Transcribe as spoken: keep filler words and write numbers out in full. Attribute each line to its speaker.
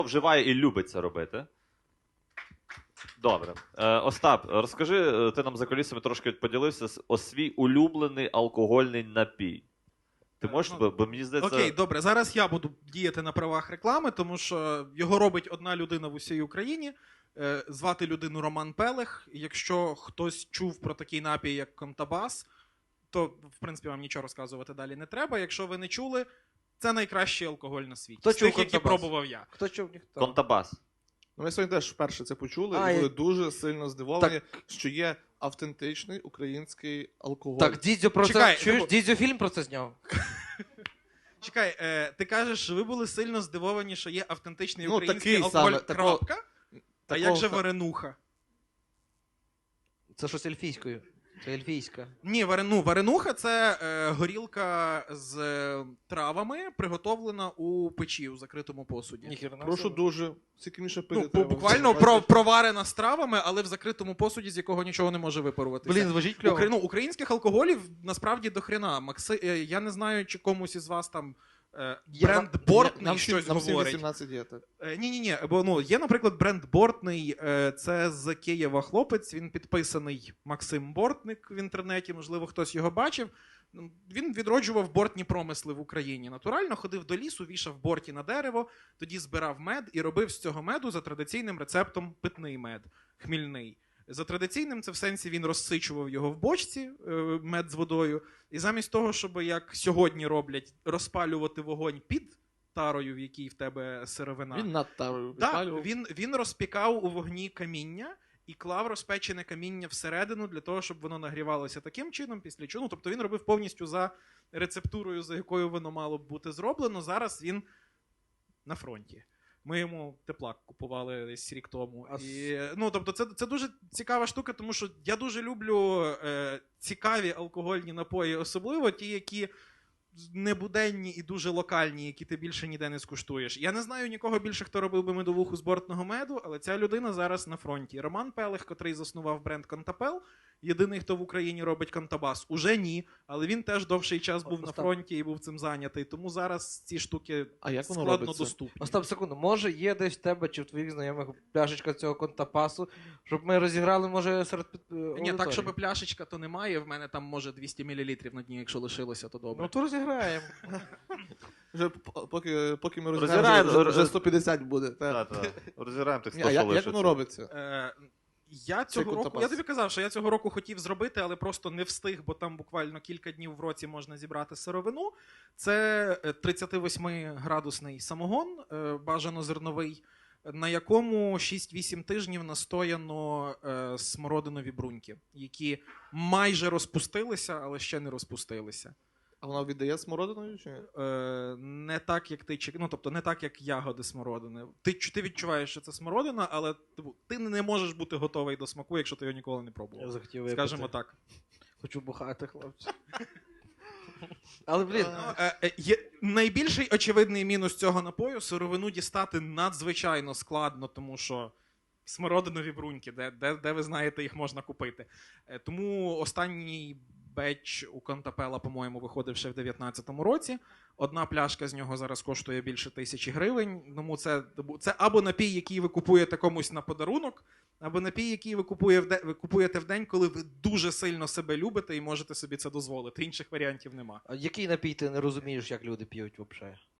Speaker 1: вживає і любить це робити. Добре. Е, Остап, розкажи, ти нам за колісами трошки поділився о свій улюблений алкогольний напій. Ти можеш, бо, бо мені здається...
Speaker 2: Окей, добре. Зараз я буду діяти на правах реклами, тому що його робить одна людина в усій Україні. Е, звати людину Роман Пелех. Якщо хтось чув про такий напій, як Контабас, то, в принципі, вам нічого розказувати далі не треба. Якщо ви не чули, це найкращий алкоголь на світі.
Speaker 3: Хто
Speaker 2: з
Speaker 3: чув
Speaker 2: тих, які
Speaker 3: Контабас?
Speaker 2: пробував я.
Speaker 3: Хто чув, ніхто.
Speaker 1: Контабас.
Speaker 4: Ну, ми сьогодні теж вперше це почули
Speaker 3: А,
Speaker 4: і були
Speaker 3: я-
Speaker 4: дуже сильно здивовані, що є автентичний український алкоголь.
Speaker 3: Так, Дідзьо про
Speaker 2: Чекай,
Speaker 3: це... Чуєш,
Speaker 2: ну-
Speaker 3: Дідзьо фільм про це зняв?
Speaker 2: Чекай, е, ти кажеш, що ви були сильно здивовані, що є автентичний
Speaker 4: Ну,
Speaker 2: український
Speaker 4: такий
Speaker 2: алкоголь,
Speaker 4: саме, такого-
Speaker 2: крапка? А
Speaker 4: такого
Speaker 2: як же
Speaker 4: са-
Speaker 2: варенуха?
Speaker 3: Це щось ельфійською. Це ельфійська.
Speaker 2: Ні, варену, варенуха – це е, горілка з е, травами, приготовлена у печі, у закритому посуді.
Speaker 3: Ніхіра не
Speaker 4: Прошу
Speaker 3: собі.
Speaker 4: дуже, скільки міше пити
Speaker 2: Ну,
Speaker 4: треба.
Speaker 2: буквально про, проварена з травами, але в закритому посуді, з якого нічого не може випаруватися.
Speaker 3: Блін, звучить кльово.
Speaker 2: Укра... ну, українських алкоголів насправді до хрена. Макси... е, Я не знаю, чи комусь із вас там е,
Speaker 3: Є
Speaker 2: бренд
Speaker 3: нам-
Speaker 2: Бортний
Speaker 4: Нам всім,
Speaker 2: щось
Speaker 4: нам всім
Speaker 2: говорить.
Speaker 4: вісімнадцять є, так.
Speaker 2: Е, Ні-ні-ні, бо ну, є, наприклад, бренд Бортний, е, це з Києва хлопець, він підписаний Максим Бортник в інтернеті, можливо, хтось його бачив. Ну, Він відроджував бортні промисли в Україні. Натурально ходив до лісу, вішав борті на дерево, тоді збирав мед і робив з цього меду за традиційним рецептом питний мед, хмільний. За традиційним це в сенсі він розсичував його в бочці, е, мед з водою, і замість того, щоб, як сьогодні роблять, розпалювати вогонь під тарою, в якій в тебе сировина.
Speaker 4: Він над тарою
Speaker 2: Так,
Speaker 4: підпалював.
Speaker 2: він, він розпікав у вогні каміння і клав розпечене каміння всередину для того, щоб воно нагрівалося таким чином, після чого. Ну, тобто він робив повністю за рецептурою, за якою воно мало б бути зроблено. Зараз він на фронті. Ми йому теплак купували десь рік тому.
Speaker 3: А
Speaker 2: І, ну, тобто це, це дуже цікава штука, тому що я дуже люблю е, цікаві алкогольні напої, особливо ті, які небуденні і дуже локальні, які ти більше ніде не скуштуєш. Я не знаю нікого більше, хто робив би медовуху з бортного меду, але ця людина зараз на фронті. Роман Пелех, котрий заснував бренд Контапел, єдиний, хто в Україні робить Контабас, уже ні, але він теж довший час був на
Speaker 3: Остап.
Speaker 2: фронті і був цим зайнятий, тому зараз ці штуки
Speaker 4: А як воно
Speaker 2: складно
Speaker 4: робиться?
Speaker 2: доступні.
Speaker 3: Остап, секунду, може є десь в тебе чи в твоїх знайомих пляшечка цього контапасу, щоб ми розіграли, може, серед під...
Speaker 2: Ні,
Speaker 3: аудиторії?
Speaker 2: так, щоб пляшечка, то немає, в мене там може двісті мілілітрів на дні, якщо лишилося, то добре.
Speaker 3: Ну то розіграємо.
Speaker 4: Вже п- поки, поки ми
Speaker 1: Розіграємо,
Speaker 4: розіграємо, вже, вже
Speaker 1: роз-
Speaker 4: сто п'ятдесят буде. так.
Speaker 1: Так, так. Розіграємо тих
Speaker 4: Ні,
Speaker 1: сто,
Speaker 4: а
Speaker 1: що
Speaker 4: як, як
Speaker 1: лишиться.
Speaker 4: воно робиться?
Speaker 2: Е, я цього року,
Speaker 4: контапас.
Speaker 2: я тобі казав, що я цього року хотів зробити, але просто не встиг, бо там буквально кілька днів в році можна зібрати сировину. Це е, тридцять восьми градусний самогон, е, бажано зерновий, на якому шість-вісім тижнів настояно е, смородинові бруньки, які майже розпустилися, але ще не розпустилися.
Speaker 4: А вона віддає смородиною чи ні?
Speaker 2: Е, не так, як ти чек- ну, тобто не так, як ягоди смородини. Ти, чу- ти відчуваєш, що це смородина, але типу, ти не можеш бути готовий до смаку, якщо ти його ніколи не пробував.
Speaker 3: Я захотів випити.
Speaker 2: Скажімо так.
Speaker 3: Хочу бухати, хлопці. Але, блін,
Speaker 2: Е, е, є найбільший очевидний мінус цього напою — сировину дістати надзвичайно складно, тому що смородинові бруньки, де, де, де ви знаєте, їх можна купити. Е, тому останній беч у Контапела, по-моєму, виходив ще в дев'ятнадцятому році. Одна пляшка з нього зараз коштує більше тисячі гривень. Тому це, це або напій, який ви купуєте комусь на подарунок, або напій, який ви, купує в де, ви купуєте в день, коли ви дуже сильно себе любите і можете собі це дозволити. Інших варіантів нема.
Speaker 3: а який напій ти не розумієш, як люди п'ють взагалі?